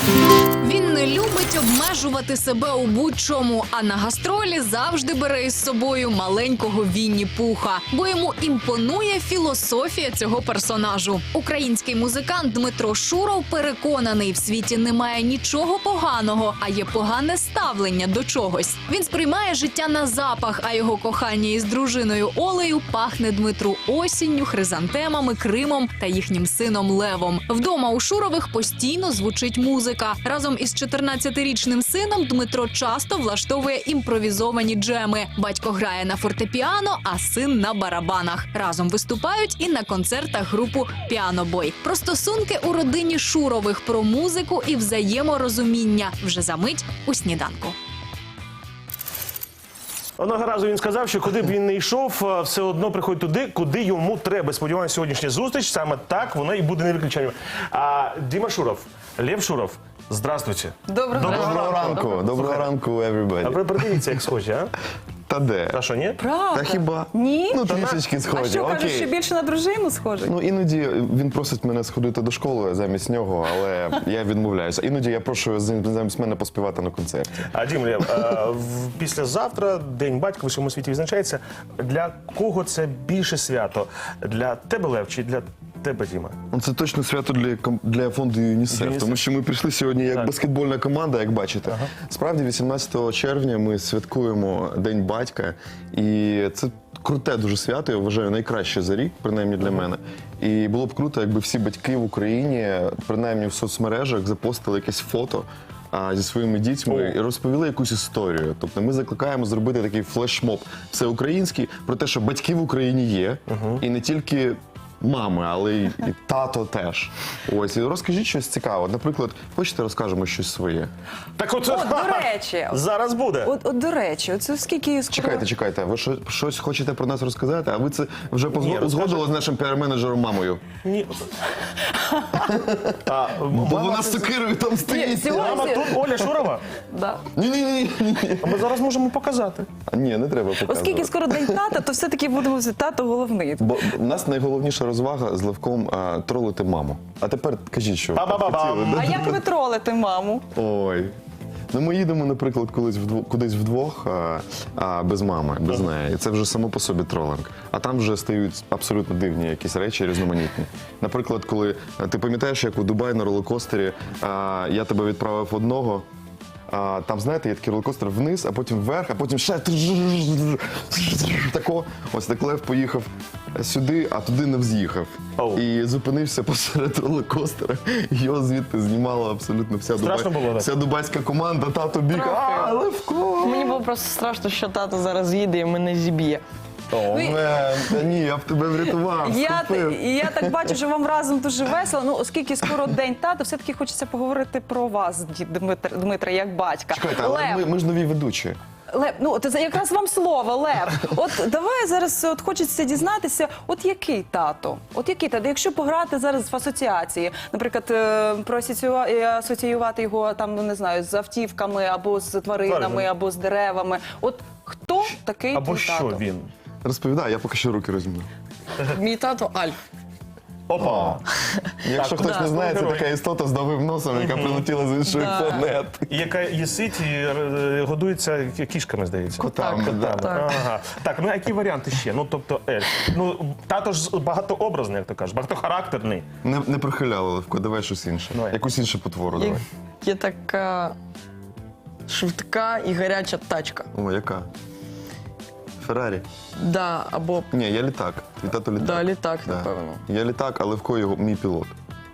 Він не любить обмежувати себе у будь-чому, а на гастролі завжди бере із собою маленького Вінні-Пуха, бо йому імпонує філософія цього персонажу. Український музикант Дмитро Шуров переконаний, в світі немає нічого поганого, а є погане ставлення до чогось. Він сприймає життя на запах, а його кохання із дружиною Олею пахне Дмитру осінню, хризантемами, Кримом та їхнім сином Левом. Вдома у Шурових постійно звучить музика. Разом із 14-річним сином Дмитро часто влаштовує імпровізовані джеми. Батько грає на фортепіано, а син на барабанах. Разом виступають і на концертах групу «Піанобой». Про стосунки у родині Шурових, про музику і взаєморозуміння. Вже за мить у «Сніданку». Одного разу він сказав, що куди б він не йшов, все одно приходить туди, куди йому треба. Сподіваюся, сьогоднішня зустріч саме так вона і буде не виключенням. Діма Шуров, Лев Шуров, здравствуйте. Доброго ранку. Доброго ранку, everybody. А ви придивіться, як схожі, а? Та де? Та що, ні? Правда? Та хіба? Ні? Ну, трішечки А схожі. що, кажеш, що більше на дружину схожий? Ну, іноді він просить мене сходити до школи замість нього, але я відмовляюся. Іноді я прошу замість мене поспівати на концерті. Дім, Лев, післязавтра День батька в усьому світі відзначається. Для кого це більше свято? Для тебе, Лев, чи для тебе, Діма? Ну, це точно свято для фонду ЮНІСЕФ, тому що ми прийшли сьогодні як баскетбольна команда, як бачите. Справді, 18 червня ми святкуємо День батька, і це круте дуже свято, я вважаю, найкраще за рік, принаймні для мене. І було б круто, якби всі батьки в Україні, принаймні в соцмережах, запостили якесь фото зі своїми дітьми і розповіли якусь історію. Тобто ми закликаємо зробити такий флешмоб всеукраїнський про те, що батьки в Україні є, і не тільки мами, але і тато теж. Ось, і розкажіть щось цікаве. Наприклад, хочете розкажемо щось своє? Так от, До речі. зараз буде. От до речі, оце скільки скоро... Чекайте, ви щось хочете про нас розказати, а ви це вже узгодили з нашим піар-менеджером мамою? Ні. Бо вона з сокирою там стоїть. Мама тут Оля Шурова? Да. Ні. А ми зараз можемо показати. Ні, не треба показувати. Оскільки скоро День тата, то все-таки будемо тато головний. Бо в нас найголовніша розвага з Левком тролити маму. А тепер кажіть, що хотіли. А як ви тролите маму? Ой. Ну, ми їдемо, наприклад, кудись вдвох, без мами, без неї. І це вже само по собі тролинг. А там вже стають абсолютно дивні якісь речі, різноманітні. Наприклад, коли ти пам'ятаєш, як у Дубаї на ролокостері я тебе відправив одного, там, знаєте, є такий ролокостер вниз, а потім вверх, а потім ще тако. Ось так Лев поїхав сюди, а туди не вз'їхав. І зупинився посеред ролокостера. Його звідти знімала абсолютно вся дубайська команда. Тато біг, Левко! Мені було просто страшно, що тато зараз їде і мене зіб'є. Та ні, я б тебе врятував. Я так бачу, що вам разом дуже весело. Ну, оскільки скоро День тата, все-таки хочеться поговорити про вас, Дмитре, як батька. Чекайте, але ми ж нові ведучі. Лев, ну от якраз вам слово, Лев. От давай зараз хочеться дізнатися, от який тато? От який тато? Якщо пограти зараз в асоціації, наприклад, асоціювати його там, ну не знаю, з автівками, або з тваринами, або з деревами. От хто такий твій тато? Або що він? Розповідай, я поки що руки розмію. Мій тато Альф. Опа! Якщо хтось не знає, це така істота з довгим носом, яка прилетіла з іншої планети. Яка їсить і годується кішками, здається. Котами, Ага. Так, ну які варіанти ще? Ну, тобто, Ельф. Ну, тато ж багатообразний, як то кажеш, багатохарактерний. Не прихиляли, Левко, давай щось інше. Якусь іншу потвору давай. Є така швидка і гаряча тачка. О, яка? Феррарі? Да, або... Ні, я літак. Твій тато літак. Да, літак, напевно. Я літак, а Левко його мій пілот.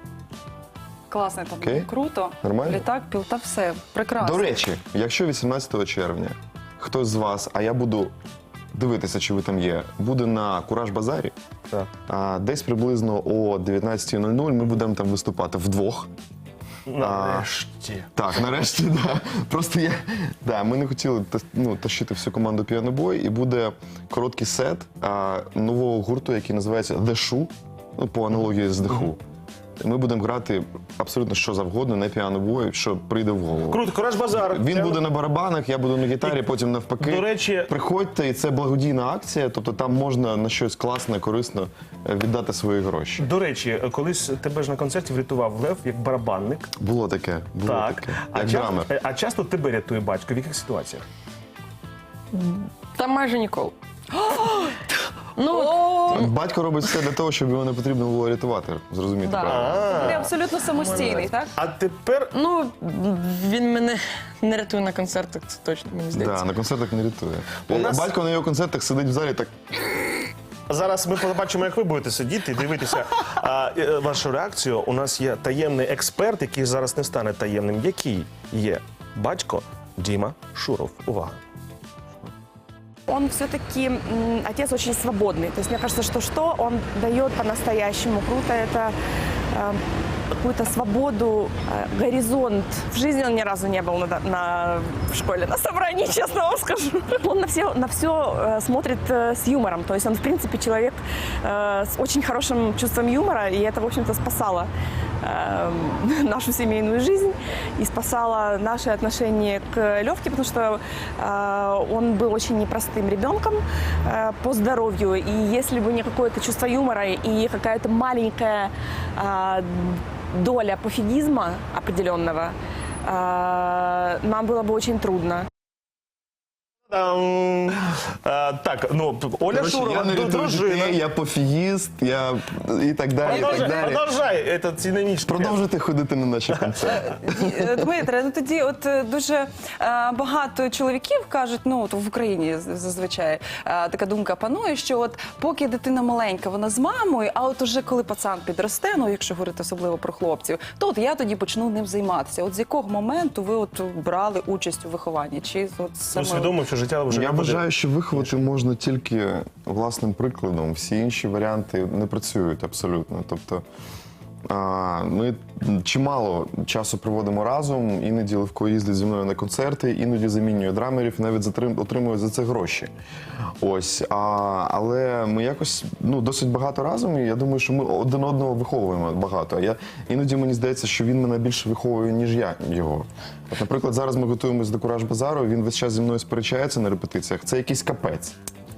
Класний там, Окей. круто. Нормально? Літак, пілота, все, прекрасно. До речі, якщо 18 червня хтось з вас, а я буду дивитися, чи ви там є, буде на Кураж-базарі, десь приблизно о 19:00 ми будемо там виступати вдвох. Нарешті. Так, нарешті, да. Просто ми не хотіли тащити всю команду «Піанобой», і буде короткий сет нового гурту, який називається «The Shoe», по аналогії з «The Who». ми будемо грати абсолютно що завгодно, не піано-бой, що прийде в голову. Круто, Кураж Базар. Він буде на барабанах, я буду на гітарі, потім навпаки. До речі- приходьте, і це благодійна акція, тобто там можна на щось класне, корисне віддати свої гроші. До речі, колись тебе ж на концерті врятував Лев як барабанник. Було таке, Так. як драмер. А часто тебе рятує батько? В яких ситуаціях? Та майже ніколи. Батько робить все для того, щоб його не потрібно було рятувати, зрозуміти Да. правильно. Ви абсолютно самостійний, так? А тепер Ну, він мене не рятує на концертах, це точно, мені здається. Да, на концертах не рятує. нас- Батько на його концертах сидить в залі так. зараз ми побачимо, як ви будете сидіти і дивитися вашу реакцію. У нас є таємний експерт, який зараз не стане таємним. Який є батько Діма Шуров? Увага. Он все-таки отец очень свободный. То есть мне кажется, что он дает по-настоящему круто. Это какую-то свободу, горизонт. В жизни он ни разу не был в школе на собрании, честно вам скажу. Он на все смотрит с юмором. То есть он, в принципе, человек с очень хорошим чувством юмора. И это, в общем-то, спасало нашу семейную жизнь и спасало наше отношение к Левке, потому что он был очень непростым ребенком по здоровью. И если бы не какое-то чувство юмора и какая-то маленькая доля пофигизма определенного, нам было бы очень трудно. Так, ну, Оля Коротше, Шурова, я не рятую дружина. дітей, я пофігіст, я і так далі, і так далі. Продовжай, це синонічно. Продовжуйте ходити на наші концерти. Дмитре, ну тоді дуже багато чоловіків кажуть, ну от в Україні зазвичай така думка панує, що от поки дитина маленька, вона з мамою, а от уже коли пацан підросте, ну якщо говорити особливо про хлопців, то от я тоді почну ним займатися. От з якого моменту ви от брали участь у вихованні? Чи от саме... Усвідомив, що життя вже Я не буде. вважаю, що виховати можна тільки власним прикладом. Всі інші варіанти не працюють абсолютно. Тобто ми чимало часу проводимо разом, іноді Левко їздить зі мною на концерти, іноді замінює драмерів, навіть отримує за це гроші. Ось, але ми якось досить багато разом, і я думаю, що ми один одного виховуємо багато. Іноді мені здається, що він мене більше виховує, ніж я його. От, наприклад, зараз ми готуємося до Кураж Базару, він весь час зі мною сперечається на репетиціях. Це якийсь капець.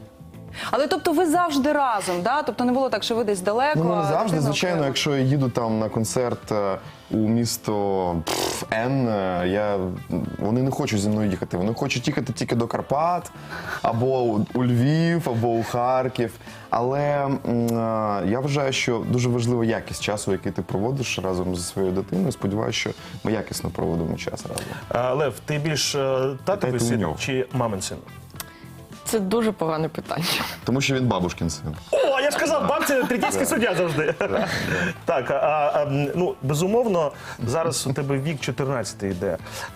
Але тобто ви завжди разом, да? Тобто не було так, що ви десь далеко? Ну, не а завжди, дитина звичайно, окремо? якщо я їду там на концерт у місто Н, вони не хочуть зі мною їхати. Вони хочуть їхати тільки до Карпат, або у Львів, або у Харків. Але я вважаю, що дуже важлива якість часу, який ти проводиш разом зі своєю дитиною. Сподіваюся, що ми якісно проводимо час разом. Лев, ти більш татовий у син нього. чи мамин син? Це дуже погане питання. Тому що він бабушкин син. О, я ж казав, бабця третійський суддя завжди. Так, ну, безумовно, зараз у тебе вік 14 йде.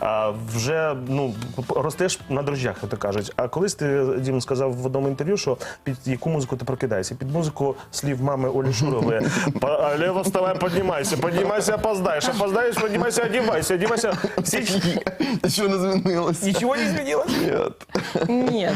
Вже, ростеш на дрожжах, як то кажуть. А колись ти, Дім, сказав в одному інтерв'ю, що під яку музику ти прокидаєшся? Під музику слів мами Олі Шурової. Лево, вставай, піднімайся, піднімайся, опоздаєш, опоздаєш, піднімайся, одівайся, одівайся. Нічого не змінилося. Нічого не змінилось? Ні.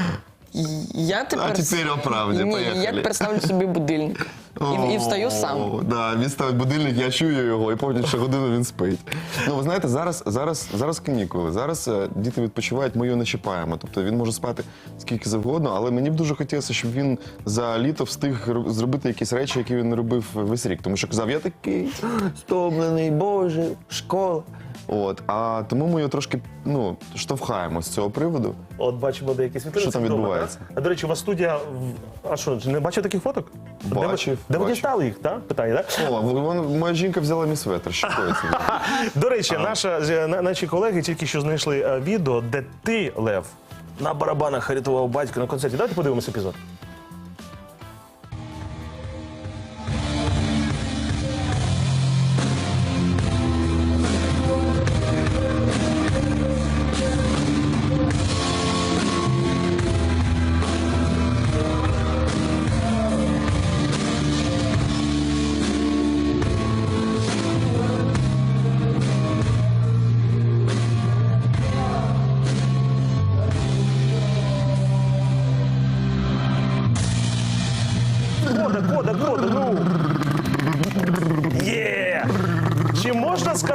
Я тепер... А тепер о правді, Ні, поїхали. я тепер ставлю собі будильник. І встаю сам. Да, він ставить будильник, я чую його, і потім ще годину він спить. Ну, ви знаєте, зараз канікули, зараз діти відпочивають, ми його не чіпаємо. Тобто він може спати скільки завгодно, але мені б дуже хотілося, щоб він за літо встиг зробити якісь речі, які він не робив весь рік. Тому що казав, я такий стомлений, боже, школа. От, а тому ми його трошки штовхаємо з цього приводу. От бачимо деякі світлини. Що там це вдома, відбувається? так? А, до речі, у вас студія... А що, не бачив таких фоток? Бачив, Де ви бачив. дістали їх, так? Питання, так? О, моя жінка взяла мій светр, що коїться. До речі, наші колеги тільки що знайшли відео, де ти, Лев, на барабанах рятував батька на концерті. Давайте подивимось епізод.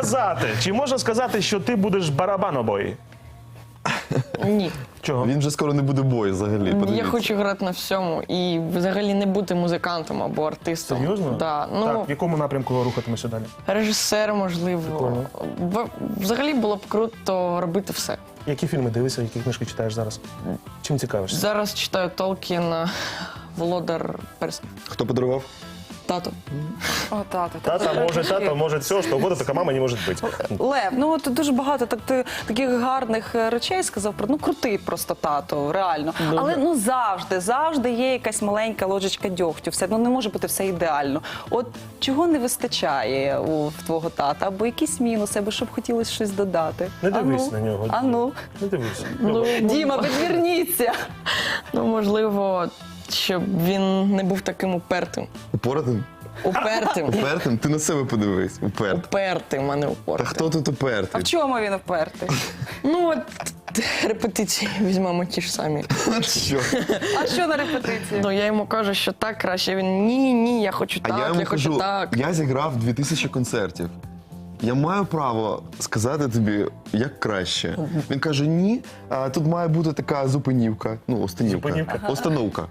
сказати, що ти будеш барабанобой? Ні. Чого? Він вже скоро не буде бою взагалі. Я подивіться. хочу грати на всьому і взагалі не бути музикантом або артистом. Серйозно? Да. Ну, Так, в якому напрямку рухатимося далі? режисер, можливо. Прикольно. Взагалі було б круто робити все. Які фільми дивишся, які книжки читаєш зараз? Чим цікавишся? Зараз читаю Толкіна «Володар перснів». Хто подарував? Тато. О, тато. Тата може все, що угодно, така мама не може бути. Лев, ну от дуже багато таких гарних речей сказав про крутий просто тато, реально. Але ну завжди є якась маленька ложечка дьогтю. Все не може бути все ідеально. От чого не вистачає в твого тата, або якісь мінуси, або щоб хотілося щось додати. Не дивись на нього. Ану. Не дивись. Діма, відверніться. Ну, можливо, щоб він не був таким упертим. Упоратим? Упертим. Упертим? Ти на себе подивись. Упертим. Упертим, а не Та упертим. хто тут А упертий? в чому він впертий? Ну, от репетиції візьмемо ті ж самі. Що? А що на репетиції? Ну, я йому кажу, що так краще. Він ні, я хочу А я так, йому я хочу кажу, так. я зіграв 2000 концертів. Я маю право сказати тобі, як краще. Він каже, ні, тут має бути така зупинівка. Ну, останівка. Зупинівка. Остановка.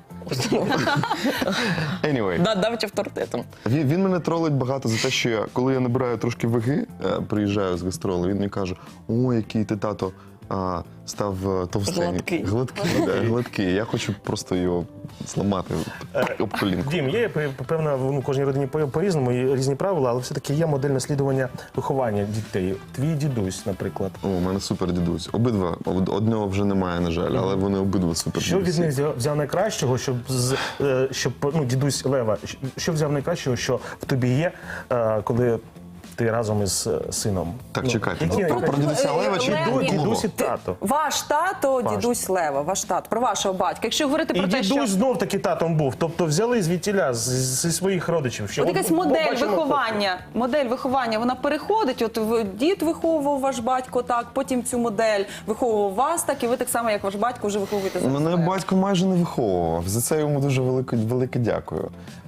Anyway. Да, давить авторитетом. Він мене тролить багато за те, що коли я набираю трошки ваги, приїжджаю з гастролу, він мені каже, о, який ти, тато, став товстенький. Гладкий. Гладкий. Я хочу просто його зламати об колінку. Дім, є певна в кожній родині по-різному, і різні правила, але все-таки є модель наслідування виховання дітей. Твій дідусь, наприклад. О, у мене супер дідусь. Обидва. Одного вже немає, на жаль, але вони обидва супер Що від дідусі. них взяв найкращого, щоб дідусь Лева, що взяв найкращого, що в тобі є, коли ти разом із сином? Так, чекайте. які Про дідуся Лева чи дідусь і тато? Ваш тато, дідусь Лева, ваш тато, про вашого батька. Якщо говорити І про те, що... дідусь знов таки татом був, тобто взяли звідтіля зі своїх родичів. Що От якась модель бачимо виховання, вона переходить, от дід виховував ваш батько так, потім цю модель виховував вас так, і ви так само, як ваш батько, вже виховуєте за Мене себе. батько майже не виховував. За це йому дуже велике дякую.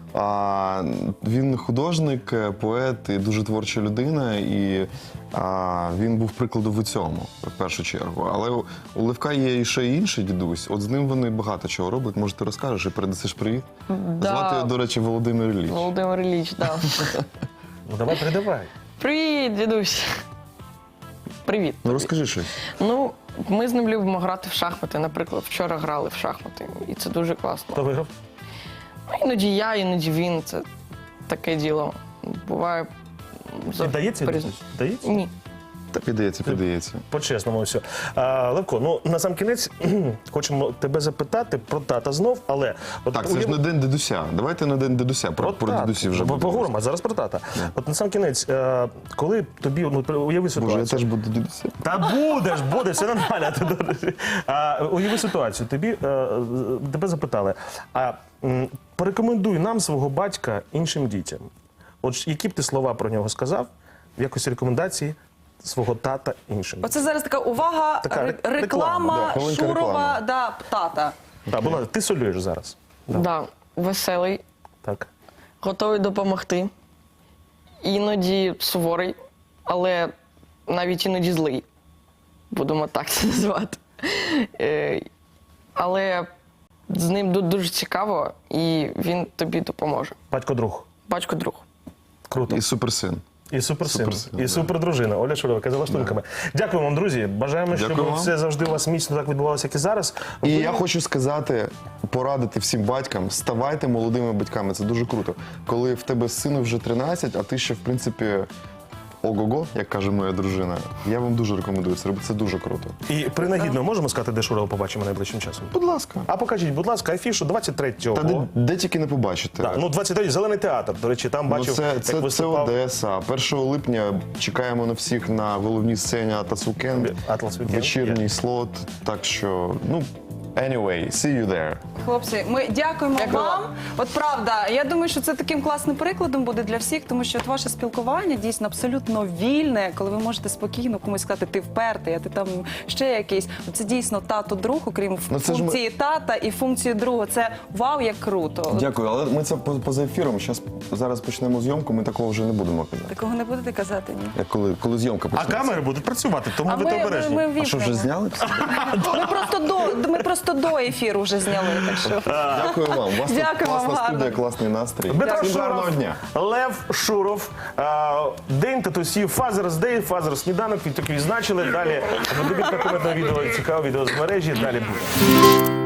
Він художник, поет і дуже творча людина, і він був прикладом у цьому, в першу чергу. Але у Левка є ще й інший дідусь. От з ним вони багато чого роблять. Може, ти розкажеш і передасиш привіт? Да. Звати його, до речі, Володимир Ілліч. Володимир Ілліч, так. Ну давай, передавай. Привіт, дідусь. Привіт. Ну розкажи щось. Ну, ми з ним любимо грати в шахмати. Наприклад, вчора грали в шахмати, і це дуже класно. Хто виграв? Ну, іноді я, іноді він. Це таке діло. Буває. Вдається? по-різному. Вдається? Ні. Та піддається. По-чесному все. Левко, ну на сам кінець хочемо тебе запитати про тата знов, але от Так, це ж не день дідуся. Давайте на день дідуся. Про дідусів вже будемо. поговоримо, а зараз про тата. От на сам кінець, коли тобі, уяви Боже, ситуацію. я теж буду дідусем. Та буде, все нормально. Уяви ситуацію. Тебе запитали, порекомендуй нам свого батька іншим дітям. От які б ти слова про нього сказав в якості рекомендації свого тата іншим? Оце зараз така увага, Така реклама, реклама, да, хвилинка Шурова, реклами. тата. Так, будь ласка, ти солюєш зараз. Да. Веселий, Так. готовий допомогти. Іноді суворий, але навіть іноді злий. Будемо так це назвати. Але з ним дуже цікаво, і він тобі допоможе. Батько-друг. Батько-друг. Круто. І суперсин. І суперсин, Суперсин, і да. супердружина. Оля Шурова, за лаштунками. Дякую вам, друзі. Бажаємо, щоб Дякую вам. все завжди у вас міцно так відбувалося, як і зараз. І я хочу сказати, порадити всім батькам, ставайте молодими батьками. Це дуже круто. Коли в тебе сину вже 13, а ти ще, в принципі, ого-го, як каже моя дружина. Я вам дуже рекомендую це робити. Це дуже круто. І принагідно можемо сказати, де Шурова побачимо найближчим часом? Будь ласка. А покажіть, будь ласка, афішу 23-го. Та де тільки не побачите. Так, ну 23-й Зелений театр. До речі, там Ну, бачив, це як виступав Одеса. 1 липня чекаємо на всіх на головній сцені Atlas Weekend. Atlas Weekend, Вечірній є. слот. Так що, Anyway, see you there. Хлопці, ми дякуємо Дякую вам. вам. От правда, я думаю, що це таким класним прикладом буде для всіх, тому що от ваше спілкування дійсно абсолютно вільне, коли ви можете спокійно комусь сказати, ти впертий, а ти там ще якийсь. Це дійсно тато-друг, окрім Ну, це ж ми- функції тата і функції друга. Це вау, як круто. Дякую, але ми це поза ефіром. Зараз почнемо зйомку, ми такого вже не будемо казати. Такого не будете казати, ні? Як коли зйомка А почнеться. камери будуть працювати, тому А будьте обережні. А що, вже зняли? Ми просто до ефіру вже зняли, так що. Дякую вам. У вас тут Дякую вам, класна гарно. студія, класний настрій. Дмитро Всім гарного Шуров, дня. Лев Шуров, День татусів, Father's Day, Father's сніданок, так відзначили. Далі подивіться коментне відео, цікаве відео з мережі, далі буде.